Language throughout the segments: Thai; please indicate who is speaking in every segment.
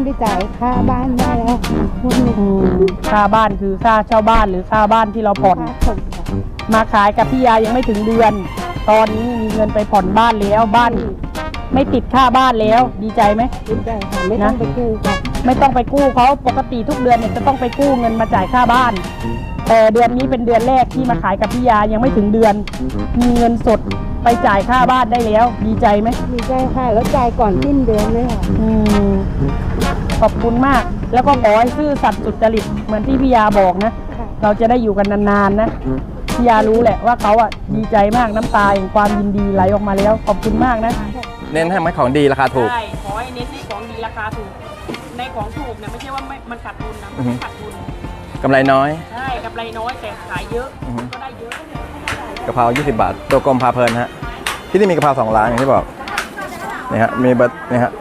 Speaker 1: ไปจ่ายค่าบ้านได้แล้ว
Speaker 2: ค่าบ้านคือค่าเช่าบ้านหรือค่าบ้านที่เราผ่อนมาขายกับพี่ยายังไม่ถึงเดือนตอนนี้มีเงินไปผ่อนบ้านแล้วบ้านไม่ติดค่าบ้านแล้วดีใจไหม
Speaker 1: ดีใจค่ะไม่ต้องไปกู้ค่ะ
Speaker 2: ไม่ต้องไปกู้เขาปกติทุกเดือนเนี่ยจะต้องไปกู้เงินมาจ่ายค่าบ้านแต่เดือนนี้เป็นเดือนแรกที่มาขายกับพี่ยายังไม่ถึงเดือนมีเงินสดไปจ่ายค่าบ้านได้แล้วดีใจไหม
Speaker 1: ดีใจค่ะแล้วจ่ายก่อนสิ้นเดือนเลยค่ะ
Speaker 2: ขอบคุณมากแล้วก็ขอให้ซื่อสัตย์สุจริตเหมือนที่พี่ยาบอกนะเราจะได้อยู่กันนานๆนะพี่ยารู้แหละว่าเขาอ่ะดีใจมากน้ำตาแห่งความยินดีไหลออกมาแล้วขอบคุณมากนะ
Speaker 3: เน้นให้มันของดีราคาถูก
Speaker 2: ใช่ขอให้เน้นให้ของดีราคาถูกในของถูกเนี่ยไม่ใช่ว่ามันขาดทุนนะไม่ขาดทุน
Speaker 3: กำไรน้อย
Speaker 2: ใช่กำไรน้อยแต่ขายเยอะก็ได้เยอะ
Speaker 3: กะเพรา20 บาทตัวกลมพาเพลินฮะที่นี่มีกะเพรา2 ร้านอย่างที่บอกนี่ฮะมีบัตนี่ฮะ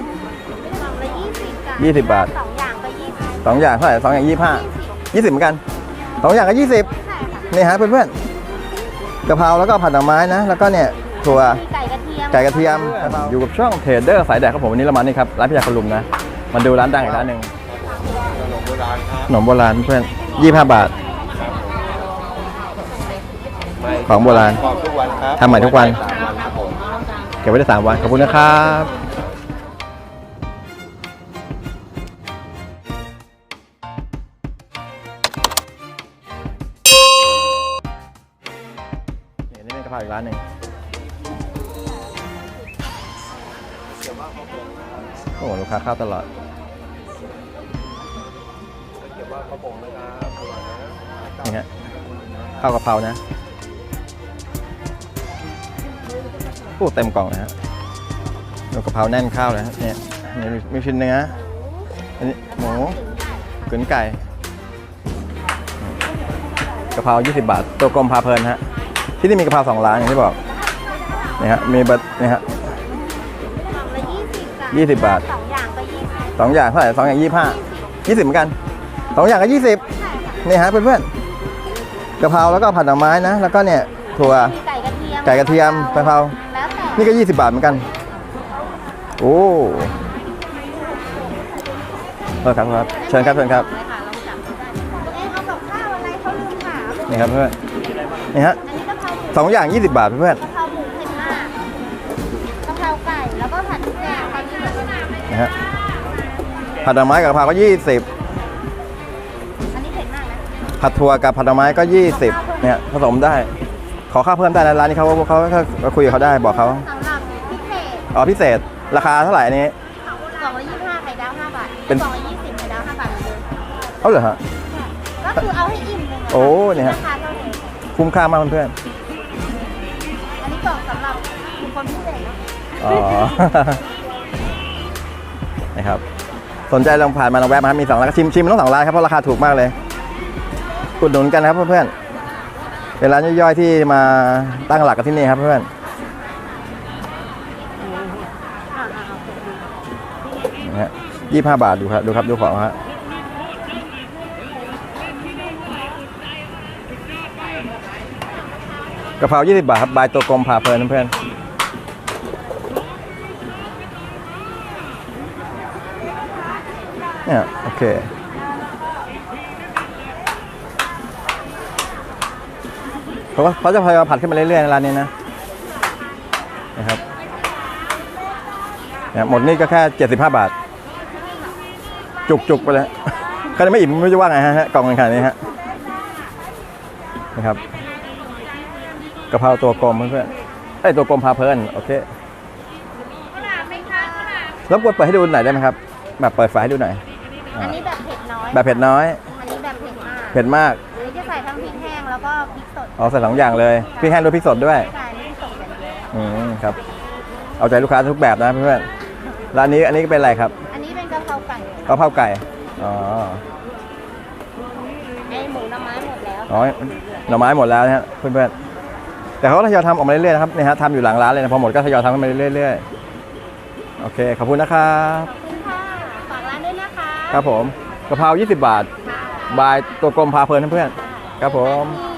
Speaker 3: 20 บาท2 อย่างเท่าไหร่2 อย่าง20เหมือนกัน2 อย่างก็20นี่ฮะเพื่อนๆกะเพราแล้วก็ผัดหน่อไม้นะแล้วก็เนี่ยถั่วไก่กระเทียมอยู่กับช่องเทรดเดอร์สายแดกครับผมวันนี้เรามานี่ครับร้านพิยาคนลุมนะมาดูร้านดังอีกร้านหนึ่งขนมโบราณเพื่อน25 บาทของโบราณทำใหม่ทุกวันเก็บไว้ได้3 วันขอบคุณนะครับนี่เป็นกะเพราอีกร้านหนึ่งโอ้ลูกค้าเข้าตลอดนี่ฮะข้าวกะเพรานะโอ้เต็มกล่องนะฮะดูกะเพราแน่นข้าวเลยฮะเนี่ยมีชิ้นเนื้ออันนี้หมูกึ๋นไก่กะเพรา20 บาทตัวกลมพาเพลินฮะที่นี่มีกะเพรา2 ร้านอย่างที่บอกนี่ฮะมีบัตนี่ฮะ20 บาท2 อย่างเท่าไหร่2 อย่าง20เหมือนกัน2 อย่างก็20นี่ฮะเพื่อนๆกะเพราแล้วก็ผัดหน่อไม้นะแล้วก็เนี่ยถั่วไก่กระเทียมกะเพรานี่ก็20 บาทเหมือนกันโอ้ครับเชิญครับนี่ครับเพื่อนนี่ฮะ2 อย่าง20 บาทเพื่อน
Speaker 4: กะเพราหมูเผ็ดมากกะเพราไก่แล้วก็ผัดทุกอย่างตอนนี้เหมือนกัน
Speaker 3: นะฮะผัดหน่อไม้กับกะเพราก็20
Speaker 4: อันนี้เผ็ดมากนะ
Speaker 3: ผัดถั่วกับผัดหน่อไม้ก็20เนี่ยผสมได้ขอข้าวเพิ่มได้นะร้านนี้เขาคุยกับเขาได้บอกเขา
Speaker 4: สำหรับพิเศษ
Speaker 3: พิเศษราคาเท่าไหร่อันนี้
Speaker 4: 225ไข่ดาว5 บาท
Speaker 3: เป็น
Speaker 4: 220ไข่ดาว5 บาทเหมือนเดิม
Speaker 3: เอาเหรอฮะ
Speaker 4: ก็คือเอาให้อิ่มเลย
Speaker 3: โอ้เนี่ยฮะคุ้มค่ามากเพื่อน
Speaker 4: อันนี้กล่องสำหรับคนพิเศษนะ
Speaker 3: นะครับสนใจลองผ่านมาลองแวะมาครับมี2 ร้านชิมมันต้อง2 ร้านครับเพราะราคาถูกมากเลยอุดหนุนกันนะครับเพื่อนๆเป็นร้านย่อยๆที่มาตั้งหลักกันที่นี่ครับเพื่อนนะฮะ25 บาทดูครับดูของฮะกะเพรา20 บาทครับบายตัวกลมพาเพลินเพื่อนเนี่ยโอเคเขาจะพยายามผัดขึ้นมาเรื่อยๆในร้านนี้นะครับเนี่ยหมดนี่ก็แค่75 บาทจุกไปเลยใครไม่อิ่มไม่รู้จะว่าไงฮะกล่องขนาดนี้ฮะนะครับกะเพราตัวกลมเพื่อนๆตัวกลมพาเพลินโอเครบกวนเปิดให้ดูหน่อยได้ไหมครับแบบเปิดไฟให้ดูหน่อย
Speaker 4: อันนี้แบบเผ็ดน้อย
Speaker 3: แบบเผ็ดน้อย
Speaker 4: อันนี้แบบ
Speaker 3: เผ็ดมาก
Speaker 4: อันนี้จะใส่ทั้งพริกแห้งแล้วก็พริกสด
Speaker 3: ใส่2 อย่างเลยพริกแห้งด้วยพริกสดด้วย
Speaker 4: ใช่พริกสดอย่างเดียว
Speaker 3: ครับเอาใจลูกค้าทุกแบบนะเพื่อนๆร้านนี้อันนี้เป็นอะไรครับ
Speaker 4: อันนี้เป็นกะเพราไก่ไอหมูหน่อไม้หมดแล้ว
Speaker 3: หน่อไม้หมดแล้วนะฮะเพื่อนๆแต่เขาทยอยทำออกมาเรื่อยๆนะครับนี่ฮะทำอยู่หลังร้านเลยนะพอหมดก็ทยอยทำกันมาเรื่อยๆโอเคขอบคุณนะครับ
Speaker 4: ขอบคุณค่ะฝากร้านด้วยนะคะ
Speaker 3: ครับผมกะเพรา20 บาทบายตัวกลมพาเพลินเพื่อนๆครับผม